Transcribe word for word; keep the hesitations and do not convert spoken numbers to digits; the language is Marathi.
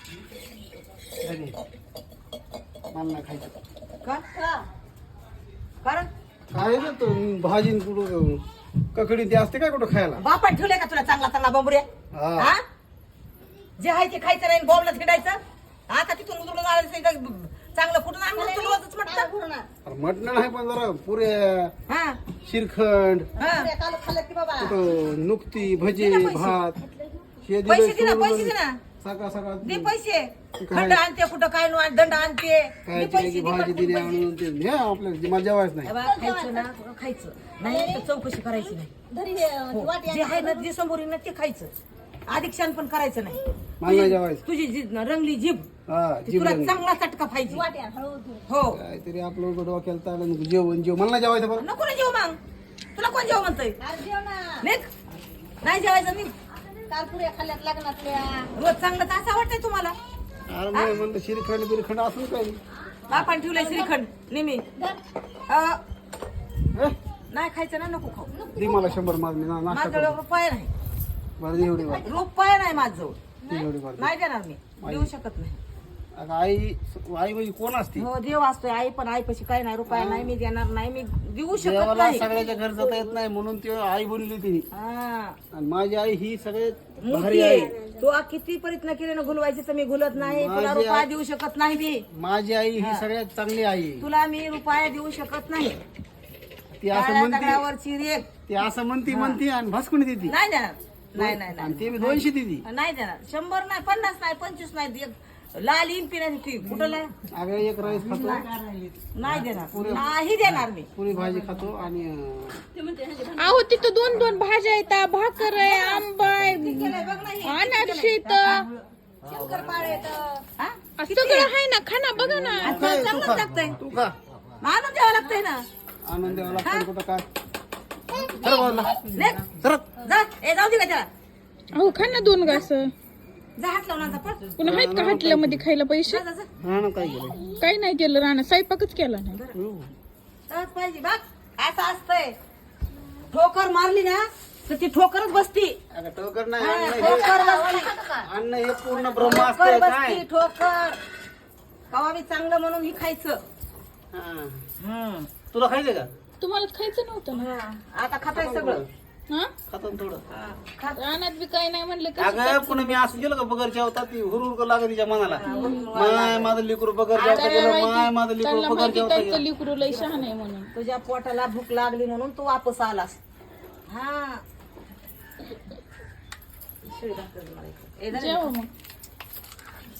मला नाही खायचं. का कारण खायचं तो भाजी कुठं ककडी ते असते काय कुठं खायला. बापान ठेवलंय का तुला चांगला चांगला बंबुऱ्या हा. हा जे आहे ते खायचं नाही बॉम्बला फिडायचं आता तिथून उतरून आलं चांगलं कुठून आणलं तुला रोजच म्हटलं अरे मटण नाही पण जरा पुऱ्या हा श्रीखंड हा कुठं नुकती भजी दे ना पैसे. भात हे दिलं पैसे दे ना सोडून पैसे दे ना सकाळ सकाळ दे पैसे काय? खंड आणते कुठं काय नु दंड आणते दे काय पैसे की दे भाजी पटकन दिली पैसे. आणून ते हे आपल्याला मजा व्हायच नाही. ए बा, खायचं ना खायचं नाही तर चौकशी करायची नाही हो. जे आहे ना जे समोर येईल ना ते खायचं अधिक्षण पण करायचं नाही मला नाही जेवायचं. तुझी जी रंगली जीभ हा ती जीव तुला लागली. चांगला चटका पाहिजे हो काहीतरी आपलं उघड डोक्याला ताळलं नको जेवण जेव मला नाही जेवायचं बरं. नको ना जेव मग तुला कोण जेव म्हणतोय निघ. नाही जेवायचं निघ कालपुऱ्या खाल्ल्यात लग्नातल्या रोज चांगलं तर असं वाटतंय तुम्हाला अरे नाही म्हणलं श्रीखंड बिरखंड असं काही बापान ठेवलंय श्रीखंड नेहमी अं, नाही खायचं ना नको खाऊ दे मला शंभर मागणी ना नाश्ता माझ्याजवळ कर. रुपये नाही बरं दे एवढी वाट रुपये नाही माझजवळ दे एवढी वाट नाही देणार मी देऊ शकत नाही अगं आई आई म्हणजे कोण असते हो देव असतोय आई पण आई पशी काय नाही रुपया नाही मी देणार नाही मी देऊ शकत देवाला नाही सगळ्याच्या घर जाता येत नाही म्हणून ती आई बोलली तिने हा आणि माझी आई ही सगळ्यात भारी मोठी आहे. आहे तू आ किती प्रयत्न केले ना घुलवायचे तर मी घुलत नाही तुला माझी रुपया आई- देऊ शकत नाही मी माझी आई ही सगळ्यात चांगली आई आहे. तुला मी रुपया देऊ शकत नाही ती असं काळ्या म्हणते दगडावरची रेख ती असं म्हणती म्हणती आणि भासकुन देती नाही देणार नाही नाही आणि नाही ते मी दोनशे देती नाही देणार शंभर नाही पन्नास नाही पंचवीस नाही एक लाल इंपी नाही ती कुठं ला- अगं एक राईस खातो नाही देणार नाही देणार मी पुरी भाजी खातो आणि अं, अहो तिथं दोन दोन भाज्या आहेत भाकर आहे आंबा आहे अनारसे आहेत शंकरपाळे येतं. हा? सगळं आहे ना खाना बघा ना तू काय तू चांगलंच खा लागतंय तू खा मानून द्यावं लागतंय ना आनंद द्यावा लागतो कुठं काय खरं बोलला लेक, सरक जा ए जाऊ दे का त्याला अहो खा ना दोन घास जा हात लावून आता पळ पुन्हा आहेत का हाटल्यामध्ये खायला पैसे जा, जा, जा. हा ना काय केलं काही नाही केलं राणा स्वयंपाकच केला नाही जाच पाहिजे बघ असं असतंय ठोकर मारली ना तर ती ठोकरच बसती अगं टोकर नाही हा, अन्न हे- ठोकर बसती अन्न हे पूर्ण ब्रह्म ठोकर असतंय बसती काय ठोकर कवा बी चांगलं म्हणून ही खायचं हा. हम्म. तुला खायचं का तुम्हाला खायचं नव्हतं ना हा, आता खाताय सगळं हा खातो ना थोडं हा, खा. रानात बी काही नाही म्हणलं कसं अगं पुन्हा मी असं गेलो का बगर जेवता ती हुरहुर लागत तिच्या मनाला माय माझं लिकरू बगर जेवता गेलं माय माझं लिकरू त्यांना बगर माहिती जेवता त्यांचं गेलं लिकरू लय शहाण आहे म्हणून तुझ्या पोटाला भूक लागली म्हणून तू वापस आलास हा शिळी भाकर मला इकडे. ए, झाली जेवा का? मग